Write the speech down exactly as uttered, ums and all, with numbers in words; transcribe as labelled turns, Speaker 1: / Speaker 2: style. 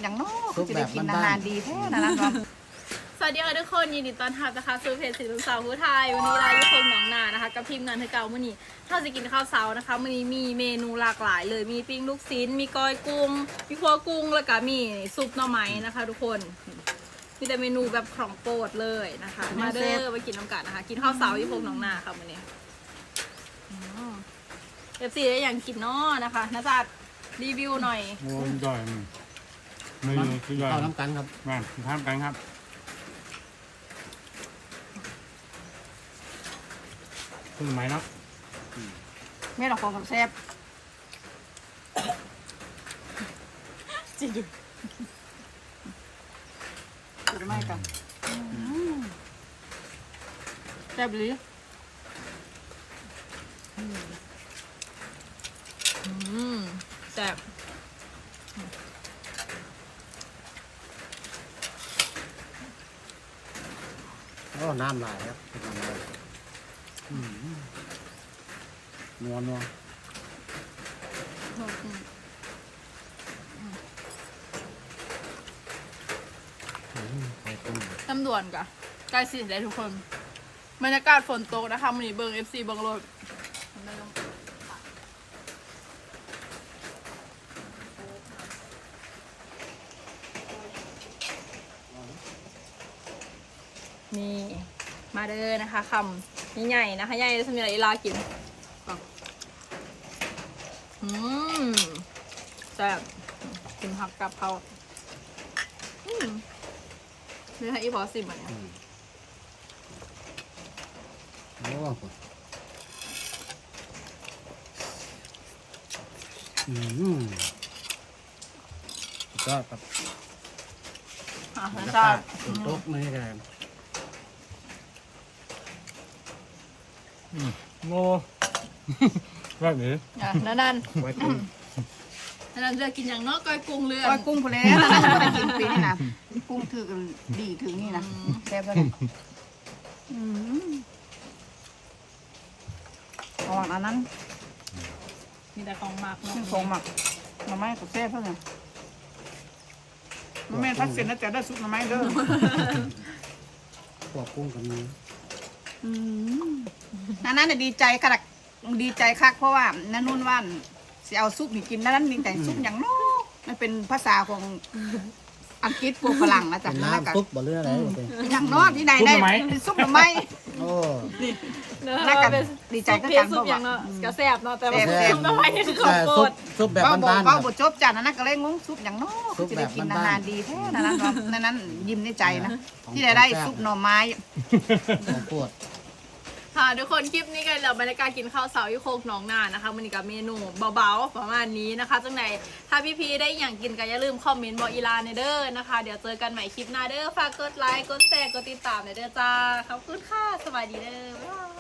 Speaker 1: อย่างน้อยจะได้กินอาหารดีแท้นะนั่นก็
Speaker 2: สวัสดีค่ะทุกคนยินดีต้อนรับนะคะสู่เพจสีลูกสาวผู้ไทยวันนี้เราอยู่คงหนองนานะคะกับทีมงานเธอเก่ามื่อนี้ถ้าจะกินข้าวเช้านะคะมื่อนี้มีเมนูหลากหลายเลยมีปิ้งลูกชิ้นมีก้อยกุ้งมีคั่วกุ้งแล้วก็มีซุปหน่อไม้นะคะทุกคนมีแต่เมนูแบบของโปรดเลยนะคะมาเด้อไปกินน้ำกันนะคะกินข้าวเช้าที่คงหนองนาค่ะมื่อนี้เอฟซีได้อย่างกินเนาะนะคะนะจ๊ะรีวิวหน่อย
Speaker 3: โอ้ยย่อยไม่คือย่อย
Speaker 4: เข้าน้ำกันครับ
Speaker 3: แม่ทำกันครับคุณไหมเนาะ
Speaker 1: แม่ลองฟังกับแซ่บจิดูจะไม่กันแซ่บเลย
Speaker 2: อืมแซ่บ
Speaker 4: โอ้น้ำลายครับน้ำลายนัวนัว
Speaker 2: ตำด่วนกะใกล้สิได้ทุกคนบรรยากาศฝนตกนะคะมันนี้เบิง เอฟ ซี เบิงรถนี่มาเด้อนะคะคำใหญ่ๆนะคะใหญ่สำหรับอีลากินอืมแซ่บกินผักกับเขาอืมนี่ให้อีพอสิมันเนี่ย
Speaker 4: โอ้อืมก็แบบ
Speaker 2: อ่ะ
Speaker 4: บรร
Speaker 2: นะ
Speaker 4: ยา
Speaker 2: จ๊ะ
Speaker 4: กาศฝนตกนี่กัน
Speaker 3: โง่แบบนี้
Speaker 2: อ่ะนั่นนั่น
Speaker 4: ไว้กุ้ง
Speaker 2: นั่นเรือกินอย่างเนอกก้อยกุ้งเรือ
Speaker 1: ก้อยกุ้งพอแล้วนะจะไปกินปีนี่นะกุ้งถือดีถึงนี่นะแซ่บแล้วระหว่างนั้น
Speaker 2: มีแต่ของหมักเนาะ
Speaker 1: ซึ่งฟงหมักมาไม่กับแซ่บเท่านั้นแม่พักเสร็จแล้วจะได้ซุปมาไหมเด้อ
Speaker 4: พวกกุ้งกับนี้
Speaker 1: นั่นนั่นดีใจขนาดดีใจคักเพราะว่านั่นนู่นว่านสิเอาซุปนี่กินนั่นนั่นมีแต่ซุปอย่างน้อมันเป็นภาษาของอังกฤษพวกฝรั่งนะจ๊ะ
Speaker 4: เป็นน้ำซุปบ่เรืออะไร
Speaker 1: อย่างน้อที่ไหนได้เป็นซุปหรือไม่
Speaker 4: โอ้
Speaker 2: เนอะ
Speaker 1: น่ากัน
Speaker 2: เป็น
Speaker 1: ดีใจ
Speaker 2: ซุป
Speaker 1: ก็
Speaker 2: เพี้ย
Speaker 1: กัน น
Speaker 2: ซุ
Speaker 1: เพ
Speaker 2: ป
Speaker 1: ราะ
Speaker 2: อย่า
Speaker 1: ว่าง
Speaker 2: เนาะกระแซบเนาะแต่ว่า
Speaker 1: แซ่บ
Speaker 2: ซุปน้ำไม้นี่คือของ
Speaker 4: แต่
Speaker 2: โปร
Speaker 4: ซุป
Speaker 2: ด
Speaker 4: ซุปแบบ
Speaker 1: เป้าบอก
Speaker 4: บ้านๆ
Speaker 1: เป้า
Speaker 4: ครับ
Speaker 1: บจบจ้ะนั่นนั่นก็เลยงงซุปอย่างน้อจะได้กินอาหารดีแท้นั่นนั่นนั่นนั่นยิ้มในใจนะที่ได้ได้ซุปหน่อไม้
Speaker 4: ของปวด
Speaker 2: ค่ะทุกคนคลิปนี้กันเราบรรยากาศกินข้าวเสาที่โคกหนองนานะคะมันกับเมนูเบาๆประมาณนี้นะคะจังไหนถ้าพี่ๆได้อย่างกินก็อย่าลืมคอมเมนต์บอกอีลาในเด้อนะคะเดี๋ยวเจอกันใหม่คลิปหน้าเด้อฝากกดไลค์กดแชร์กดติดตามในเด้อจ้าขอบคุณค่ะสวัสดีเด้อบ๊ายบาย